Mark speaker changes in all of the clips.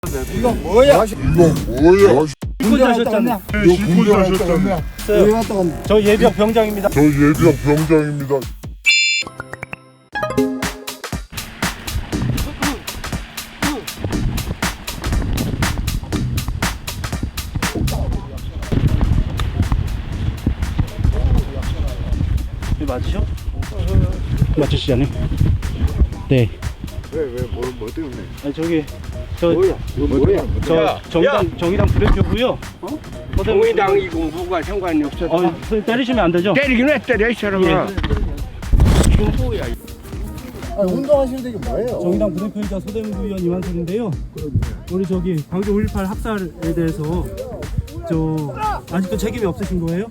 Speaker 1: 이거 뭐야?
Speaker 2: 군대 하셨잖아요.
Speaker 1: 군대 하셨잖아요. 왜 갔다 왔나?
Speaker 2: 저 예비역 병장입니다. 맞으셔? 맞으시잖아요. 네.
Speaker 1: 뭐 때문에?
Speaker 2: 아니 저기 저
Speaker 1: 뭐야? 이거 뭐야?
Speaker 2: 정의당 부대표고요.
Speaker 3: 정의당이고 뭐가 상관이 없어.
Speaker 2: 선생님 때리시면 안 되죠?
Speaker 3: 때리긴 왜 때려 이 사람아. 뭐야?
Speaker 1: 아니, 운동하시는데 이게 뭐예요?
Speaker 2: 정의당 부대표이자 소대문구 의원 이완솔인데요. 우리 저기 광주 5.18 학살에 대해서 아직도 책임이 없으신 거예요?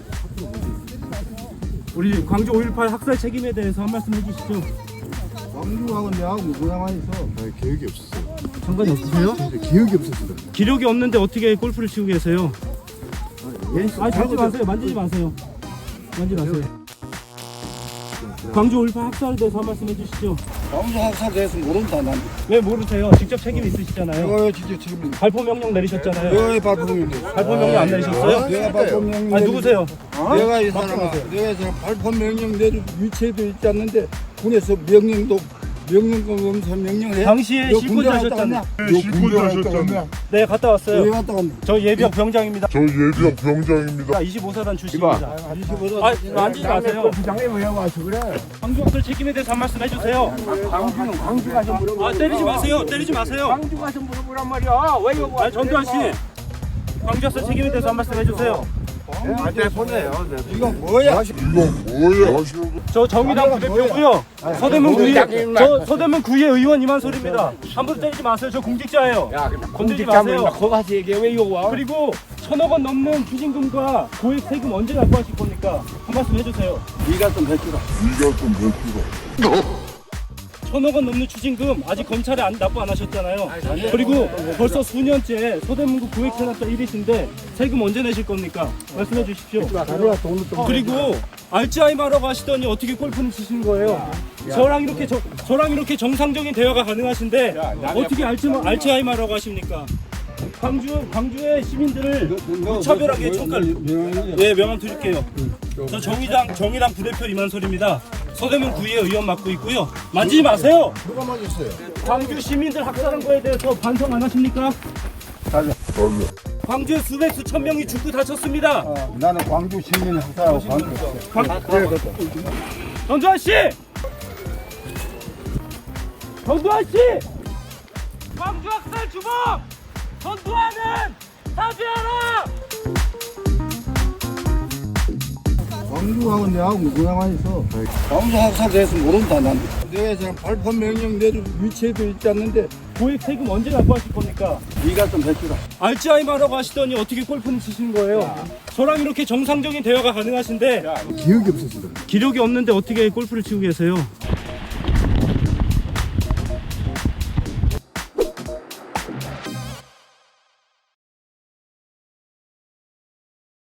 Speaker 2: 우리 광주 5.18 학살 책임에 대해서 한 말씀 해주시죠.
Speaker 1: 광주하고 내하고 모양만 있어. 아니, 기억이 없었어요.
Speaker 2: 상관이 없으세요?
Speaker 1: 기억이 없었어요.
Speaker 2: 기록이 없는데 어떻게 골프를 치고 계세요? 만지지 마세요. 만지지 마세요. 만지지 마세요. 광주 5.18 학살에 대해서 한 말씀 해주시죠.
Speaker 1: 광주 학살 대해서 모른다 난.
Speaker 2: 왜 모르세요? 직접 책임 있으시잖아요.
Speaker 1: 이거 진짜 지금
Speaker 2: 발포 명령 내리셨잖아요.
Speaker 1: 내가 발포명인데.
Speaker 2: 발포 명령 안 내리셨어요?
Speaker 1: 내가 발포명령.
Speaker 2: 아니 누구세요?
Speaker 1: 내가 이 사람아. 내가 이 사람 발포명령 내릴 위치에도 있지 않는데 군에서 명령도 엄선 명령을 해.
Speaker 2: 당시에
Speaker 1: 너
Speaker 2: 실권자
Speaker 1: 군대 갔다
Speaker 2: 하셨잖아요.
Speaker 1: 왔냐?
Speaker 2: 네, 갔다
Speaker 1: 왜
Speaker 2: 왔어요.
Speaker 1: 갔다 왔나?
Speaker 2: 저 예비역 병장입니다.
Speaker 1: 25살.
Speaker 2: 25사단 출신입니다. 만지지 마세요.
Speaker 3: 부장님 왜 와서 그래?
Speaker 2: 광주 학살 책임에 대해서 한 말씀 해주세요.
Speaker 3: 광주 가서 물어보라.
Speaker 2: 때리지 마세요. 때리지 마세요.
Speaker 3: 광주 가서 물어보란 말이야. 왜 여기 와?
Speaker 2: 전두환 씨, 광주 학살 책임에 대해서 한 말씀 해주세요.
Speaker 3: 보내요.
Speaker 1: 이거 뭐야?
Speaker 2: 저 정의당 부대표고요. 서대문 구의 의원 이만솔입니다. 함부로 때리지 마세요. 저 공직자예요. 건들지 마세요.
Speaker 3: 거기 가서 얘기해. 왜 여기 와?
Speaker 2: 그리고 1,000억 원 넘는 추징금과 고액 세금 언제 납부하실 겁니까? 한 말씀 해주세요.
Speaker 1: 네가 좀 해주라.
Speaker 2: 1,000억 원 넘는 추징금 아직 검찰에 납부 안 하셨잖아요. 그리고 벌써 수년째 서대문구 고액 체납자 1위신데 세금 언제 내실 겁니까? 말씀해 주십시오. 그리고 알츠하이머라고 하시더니 어떻게 골프는 치시는 거예요? 저랑 이렇게 정상적인 대화가 가능하신데 어떻게 알츠하이머라고 하십니까? 광주의 시민들을 무차별하게 명함 드릴게요. 저 정의당 부대표 이만솔입니다. 서대문 구의 의원 맡고 있고요. 만지지 마세요.
Speaker 1: 누가 맞았어요?
Speaker 2: 광주 시민들 학살한 거에 대해서 반성 안 하십니까? 광주에 수천 명이 죽고 다쳤습니다.
Speaker 1: 나는 광주 시민 학살하고 관계없어.
Speaker 2: 전두환 씨! 전두환 씨! 광주 학살 주범! 전두환은 사죄하라!
Speaker 1: 광주하고 내하고 모양만 있어. 광주 학살 대해서 모른다 난. 내가 이 사람 발포명령 내릴 위치에도 있지 않는데
Speaker 2: 고액 세금 언제 납부하실 겁니까?
Speaker 1: 네가 좀 해주라.
Speaker 2: 알츠하이머라고 하시더니 어떻게 골프는 치시는 거예요? 저랑 이렇게 정상적인 대화가 가능하신데
Speaker 1: 기억이 없었어.
Speaker 2: 기록이 없는데 어떻게 골프를 치고 계세요?